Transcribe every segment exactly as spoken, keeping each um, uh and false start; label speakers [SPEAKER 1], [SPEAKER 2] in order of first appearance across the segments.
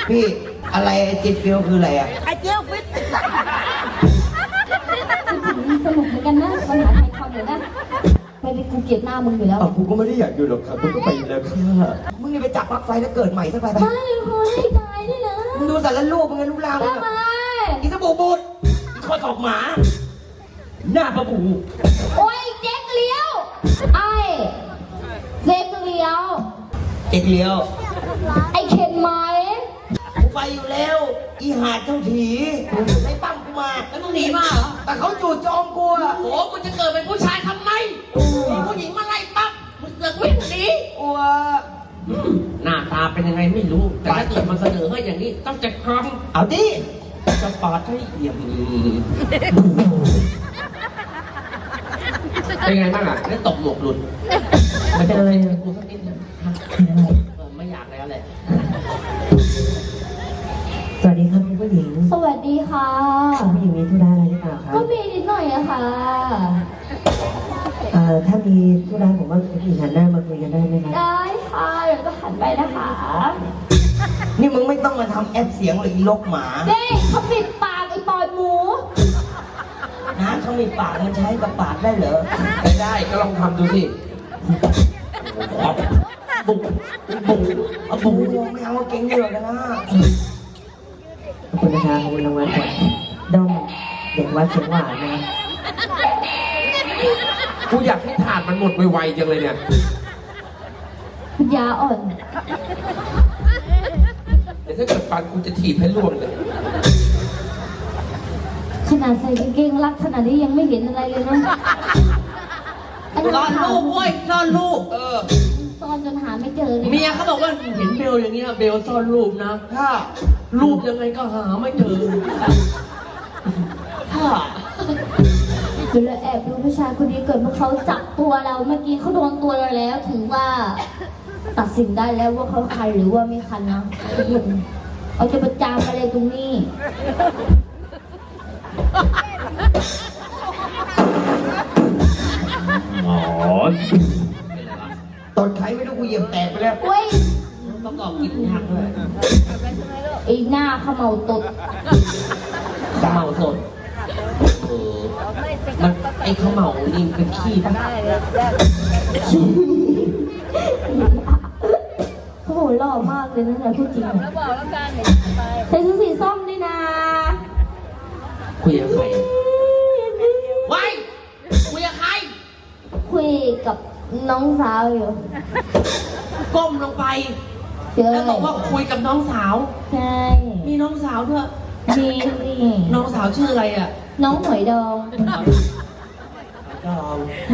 [SPEAKER 1] พี่อะไรไอ้จิตฟิลคืออะไรอ่ะไอ้เจียวฟิต
[SPEAKER 2] สนุกเหมือนกันนะปัญหาไทยความเลยนะไม่ได้กูเกลียดหน้ามึงอยู่แล้ว
[SPEAKER 3] อ้าวกูก็ไม่ได้อยากอยู่หรอกครับมึงก็ไปแล้วค่ะ
[SPEAKER 1] มึงนี่ไปจับปลั๊กไฟแล้วเกิดใหม่สักไปไป
[SPEAKER 2] มาเลยคนให้ตายด้วยนะ
[SPEAKER 1] มึงดูสารลูกมึงไงรูปร่างมึง
[SPEAKER 2] ทำไม
[SPEAKER 1] อีสบู่บูดอีข้อศอกหมา หน้าปลาบู
[SPEAKER 2] โอ้ยเจ๊กเลี้ยวไอ้เจ๊กเลี้ยว
[SPEAKER 1] เจ็กเลี้ยว
[SPEAKER 2] ไอ้เข็นไหม
[SPEAKER 1] กูไปอยู่แล้ว อีหาดเจ้าถีไอ้ปั้มกูมา
[SPEAKER 4] แล้วมึงหนีมาเหรอ
[SPEAKER 1] แต่เขาจู่โจมกูอะ
[SPEAKER 4] โอ้มึงจะเกิดเป็นผู้ชายทำไมมีผู้หญิงมาไล่ปั๊บมึงเสือกวิ่งหนี
[SPEAKER 1] กลัว
[SPEAKER 4] หน้าตาเป็นยังไงไม่รู้ แต่ถ้าเกิดมันเสนอให้อย่างนี้ต้องจัดการ
[SPEAKER 1] เอาดิ
[SPEAKER 4] จะปาดให้เอี่ยมเป็นไงบ้างอ่ะได้ตบหมวกหลุดมันจะอะไรกูสักนิดนึงไม่อยากแล้วแหละ
[SPEAKER 5] สวัสดีครับคุณผู้หญิง
[SPEAKER 2] สวัสดีค่ะ
[SPEAKER 5] คุณผู้หญิงมีธุระอะไรหรือเปล่าครับ
[SPEAKER 2] ก็มีนิดหน่อยอะค่ะ
[SPEAKER 5] เอ่อถ้ามีธุระผมว่าคุณผู้หญิงหันหน้ามาคุยกันได้ไหมครับ
[SPEAKER 2] ได้ค่ะเดี๋ยวก็หันไปนะคะ
[SPEAKER 1] นี่มึงไม่ต้องมาทำแอปเสียงเลยอีลกหมา
[SPEAKER 2] เด้เขาปิดปากไอ้ปอดหมู
[SPEAKER 1] นะเขามีปากมันใช้กับปากได้เหรอ
[SPEAKER 4] ไม่ได้ก็ลองทำดูสิบุกบุกเอา
[SPEAKER 1] บู
[SPEAKER 4] บุก
[SPEAKER 1] ไม่เอาเก่งเหลือกันนะ
[SPEAKER 5] ขอบคุณนะครับขอบคุณรางวัลจากด้อมเด็กวัดเชียงหวานนะครับ
[SPEAKER 6] กูอยากให้ถาดมันหมดไวๆจังเลยเนี่ย
[SPEAKER 2] ยาอ่อน
[SPEAKER 6] เดี๋ยวถ้าเกิดฟันกูจะถีบให้ล่วงเลย
[SPEAKER 2] ขนาดใส่กางเกงรัดขนาดนี้ยังไม่เห็นอะไรเลยนะอันนี้
[SPEAKER 4] ซ่อนรูปเว้ยซ่อนรูปเออ
[SPEAKER 2] ซ่อนจนหาไม่เจอเลย
[SPEAKER 4] เมียเขาบอกว่าเห็นเบลอย่างเงี้ยเบลซ่อนรูปนะ
[SPEAKER 1] ถ้า
[SPEAKER 4] รูปยังไงก็หาไม่เจอถ้า
[SPEAKER 2] เดี๋ยวเราแอบดูผู้ชายคนนี้เกิดเมื่อเขาจับตัวเราเมื่อกี้เขาโดนตัวเราแล้วถือว่า ตัดสินได้แล้วว่าเขาคันหรือว่าไม่คันนะเอาจะประจานอะไรตรงนี้
[SPEAKER 6] อ๋อ
[SPEAKER 1] ตอนใครไม่รู้กูเหยียบแตกไปแล้ว
[SPEAKER 2] เว้ย
[SPEAKER 4] ประกอบกินยากด้วย
[SPEAKER 2] ไอ้หน้าเขมเหลาตด
[SPEAKER 4] ข้าวเหมาสดเออมันไอ้ข้าวเหมานี่เป็นขี้ปะ
[SPEAKER 2] โอ้โหหล่อมากเลยนะเนี่ยพูดจริงใส่ชุดสีส้มด้วยนะ
[SPEAKER 4] คุยกับใครไว้คุยกับใคร
[SPEAKER 2] คุยกับน้องสาวอยู่
[SPEAKER 4] ก้มลงไป
[SPEAKER 2] เจอ
[SPEAKER 4] แล้วบอกว่าคุยกับน้องสาว
[SPEAKER 2] ใช่
[SPEAKER 4] มีน้องสาวด้วย
[SPEAKER 2] มีนี่
[SPEAKER 4] น้องสาวชื่ออะไรอ่ะ
[SPEAKER 2] น้องหอยดอง
[SPEAKER 4] ดอง
[SPEAKER 2] ใช่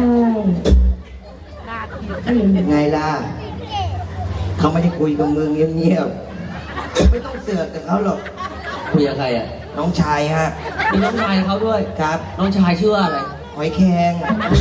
[SPEAKER 1] ไงล่ะ เขาไม่ได้คุยกับมึงเงียบๆไม่ต้องเสือกกับเขาหรอก
[SPEAKER 4] คุยกับใครอ่ะ
[SPEAKER 1] น้องชายฮะ
[SPEAKER 4] มีน้องชายเขาด้วย
[SPEAKER 1] ครับ
[SPEAKER 4] น้องชายชื่ออะไร
[SPEAKER 1] หอยแครง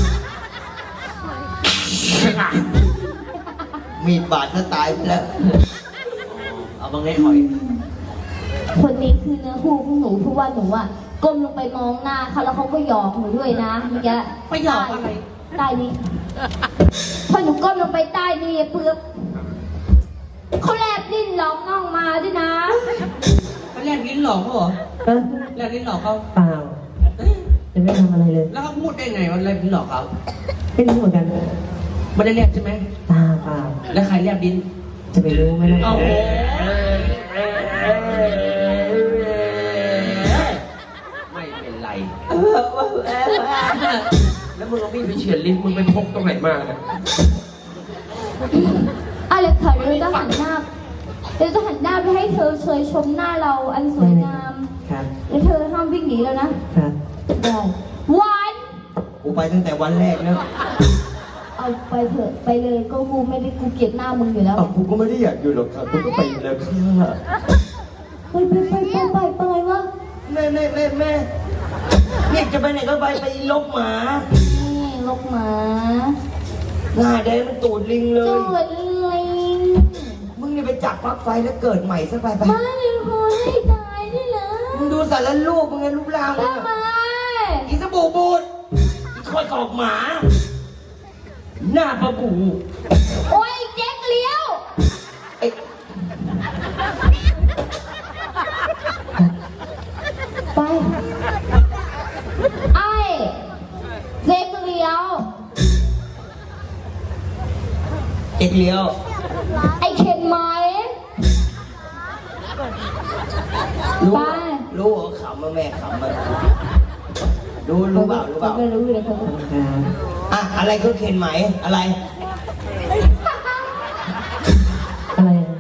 [SPEAKER 1] มีดบาดจะตายไปแล้ว
[SPEAKER 4] เอาบางไงหอย
[SPEAKER 2] คนนี้คือเนื้อคู่ของหนูเพราะว่าหนูอ่ะก้มลงไปมองหน้าเขาแล้วเขาก็หยอกหนูด้วยนะเมื่อกี้
[SPEAKER 4] ไปหยอกอะไร
[SPEAKER 2] ใต้นี้พอหนูก้มลงไปใต้นี่เปื้อบเขาแลบลิ้นร้องน้องมาด้วยนะ
[SPEAKER 4] เขาแลบลิ้นหลอกเขาเหรอ
[SPEAKER 5] เอ้อ
[SPEAKER 4] แลบลิ้นหลอกเขา
[SPEAKER 5] เปล่า
[SPEAKER 4] เอ้ย
[SPEAKER 5] จะไม่ทำอะไรเลย
[SPEAKER 4] แล้วเขาพูดได้ไงว่าแลบลิ้นหลอกเขา
[SPEAKER 5] ไม่รู้เหมือนกัน
[SPEAKER 4] ไม่ได้แลบใช่ไหม
[SPEAKER 5] เปล่าเปล่า
[SPEAKER 4] แล้วใครแลบลิ้น
[SPEAKER 5] จะไปรู้ไหมล่ะ
[SPEAKER 4] โอ้โหไม่เป็นไร
[SPEAKER 6] แล้วมึงเอามีดไปเฉือนลิ้นมึงไปพกตรงไหนมาเนี่ย
[SPEAKER 2] อะไรค่ะเราจะหันหน้าเราจะหันหน้าไปให้เธอเชยชมหน้าเราอันสวยงาม
[SPEAKER 5] ครับ
[SPEAKER 2] แล้วเธอห้ามวิ่งหนีแล้วนะครับ ได้วัน
[SPEAKER 1] กูไปตั้งแต่วันแรกแล้ว
[SPEAKER 2] เอาไปเถอะไปเลยก็กูไม่ได้กูเกลียดหน้ามึงอยู่แล้ว
[SPEAKER 3] อ้าวกูก็ไม่ได้อยากอยู่หรอกครับมึงก็ไปแล้วค่ะ
[SPEAKER 2] ไปไปไปไปไปไปวะ
[SPEAKER 1] แม่แม่แม่แม่เนี่ยจะไปไหนก็ไปไปอีลกหมา
[SPEAKER 2] นี่ลกหมา
[SPEAKER 1] หน้าแดงมันตูดลิงเล
[SPEAKER 2] จู
[SPEAKER 1] ย
[SPEAKER 2] ดลิง
[SPEAKER 1] มึงนี่ไปจับปลั๊กไฟแล้วเกิดใหม่สักไปไป
[SPEAKER 2] มาเลยคนให้ตายด้วยนะ
[SPEAKER 1] มึงดูสารลูกมึงไงรูปร่างมึง
[SPEAKER 2] ทำไม
[SPEAKER 1] อะอีสบู่บูดอีข้อศอกหมา หน้าปลาบู
[SPEAKER 2] โอ้ยเจ๊กเลี้ยว
[SPEAKER 1] ไอ้เลี้ยว
[SPEAKER 2] ไอ้เข็นไหม
[SPEAKER 1] รู้
[SPEAKER 2] ไป
[SPEAKER 1] รู้เหรอขำมาแม่ขำมารู้รู้เปล่ารู้เปล่า
[SPEAKER 2] ไม่รู้เลยครับ
[SPEAKER 5] ขอบคุณครับ
[SPEAKER 1] อ่ะอะไรก็เข็นไหมอะไร
[SPEAKER 5] อะไรนะ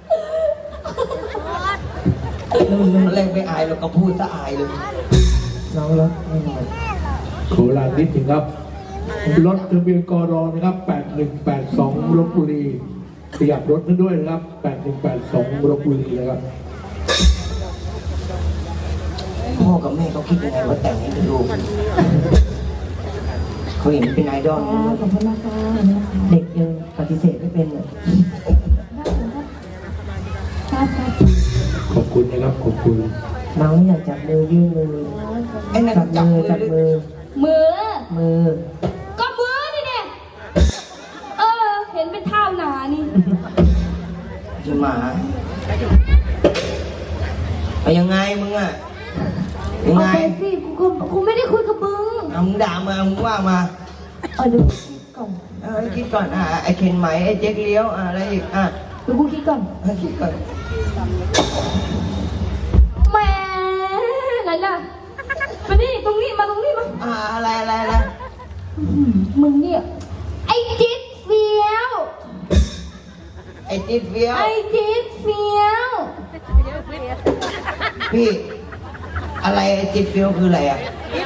[SPEAKER 5] นู่น
[SPEAKER 1] อะไรไม่อายเราก็พูดซะอายเลย
[SPEAKER 5] น้องรถแน่นอน
[SPEAKER 7] โคราชนิดหนึ่งครับ รถทะเบียนกรอนะครับ แปดหนึ่งแปดสอง ลพบุรีขยับรถนั้นด้วยนะครับ แปดหนึ่งแปดสอง ลพบุรีนะครับ
[SPEAKER 1] พ่อกับแม่เขาคิดยังไงว่าแต่งให้เป็นลูกเขาเห็นเป็นไอดอล
[SPEAKER 2] ขอบคุณมากค่ะ
[SPEAKER 5] เด็กยังปฏิเสธไม่เป็นอ่ะ
[SPEAKER 2] ครับครับ
[SPEAKER 7] ขอบคุณนะครับ ขอบคุณ
[SPEAKER 5] น้องอยากจับมือยื่นมือ
[SPEAKER 1] ไอ้นั่น
[SPEAKER 5] จับ
[SPEAKER 1] จับ
[SPEAKER 5] มือ
[SPEAKER 1] มือ
[SPEAKER 5] จับมือ
[SPEAKER 2] มือ
[SPEAKER 5] มือ
[SPEAKER 2] ก็มือนี่เนี่ยเออ เห็นเป็นเท้าหนานี่
[SPEAKER 1] จะมาไปยังไงมึงอ่ะยัง
[SPEAKER 2] เอา
[SPEAKER 1] ไง
[SPEAKER 2] ไปสิกูกูกูไม่ได้คุยกับมึง
[SPEAKER 1] เอามึงด่ามามึงว่ามา
[SPEAKER 2] เอาดูก่อน
[SPEAKER 1] เอาไอ้คิดก่อนอ่ะไอ้เข็นไหมไอ้เจ๊กเลี้ยวอ่ะอะไรอีกอ่ะ
[SPEAKER 2] ดูกูคิดก่อน
[SPEAKER 1] ให้คิดก่อน
[SPEAKER 2] แหมไหนล่ะมานี่ตรงนี้มาตรงนี้มา
[SPEAKER 1] อ่ะอะไรอะไรอะไร
[SPEAKER 2] อื้อหือมึงเนี่ยไอ้จิ๊ดเฟี้ยว
[SPEAKER 1] ไอ้จิ๊ดเฟี้ยว
[SPEAKER 2] ไอ้จิ๊ดเฟี้ยว
[SPEAKER 1] พี่อะไรไอ้จิ๊ดเฟี้ยวคืออะไรอ่ะ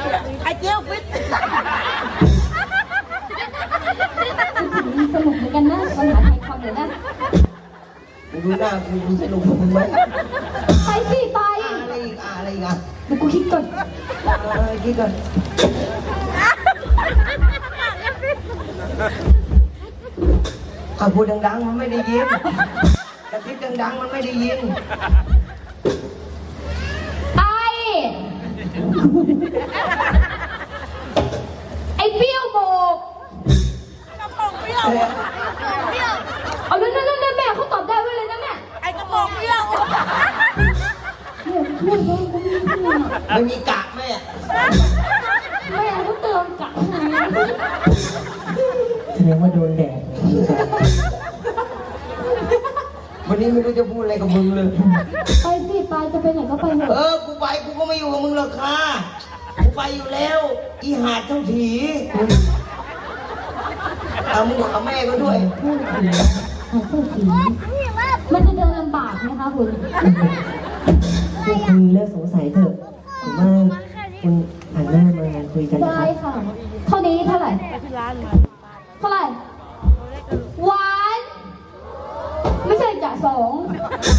[SPEAKER 2] สนุกเหมือนกันนะปัญหาไทยความเลยนะ
[SPEAKER 1] มึงดูหน้ากูดูสนุกกับมึงไหม
[SPEAKER 2] ไปสิไป
[SPEAKER 1] อ่ะอะไรอีกอ่ะอะไรอีกอ่ะ
[SPEAKER 2] เดี๋ยวกูคิดก่อน
[SPEAKER 1] เออคิดก่อนอ่ะพูดดังๆมันไม่ได้ยินกระซิบดังๆมันไม่ได้ยิน
[SPEAKER 2] ไอไอ้เปรี้ยวโบกเอานั่นนั่นนั่นแม่เขาตอบได้ไว้เลยนะแม่ไอ้กระโปรงเปรี้ยวเนี่ยพูดเลยกูไม่พูด
[SPEAKER 1] ไม่มีกะแม่
[SPEAKER 2] แม่เขาเติมกะให้
[SPEAKER 5] แสดงว่าโดนแดด
[SPEAKER 1] วันนี้ไม่รู้จะพูดอะไรกับมึงเลย
[SPEAKER 2] ไปสิไปจะไปไหนก็ไปเถ
[SPEAKER 1] เอ
[SPEAKER 2] อะ
[SPEAKER 1] อ กูไปกูก็ไม่อยู่กับมึงหรอกค่ะ กูไปอยู่แล้ว อีหาดเจ้าถีเอามึงเอาแม่ก็ด้วย
[SPEAKER 2] พูดผีหาพูดผีมันจะเดินลำบากไหมคะคุณ
[SPEAKER 5] พวกคุณเลิกสงสัยเถอะผมว่าคุณหันหน้ามาคุยกันนะค
[SPEAKER 2] ได้
[SPEAKER 5] รับ
[SPEAKER 2] ค่ะ เท่านี้เท่าไหร่ เท่าไหร่หวาน ไม่ใช่จ่าสอง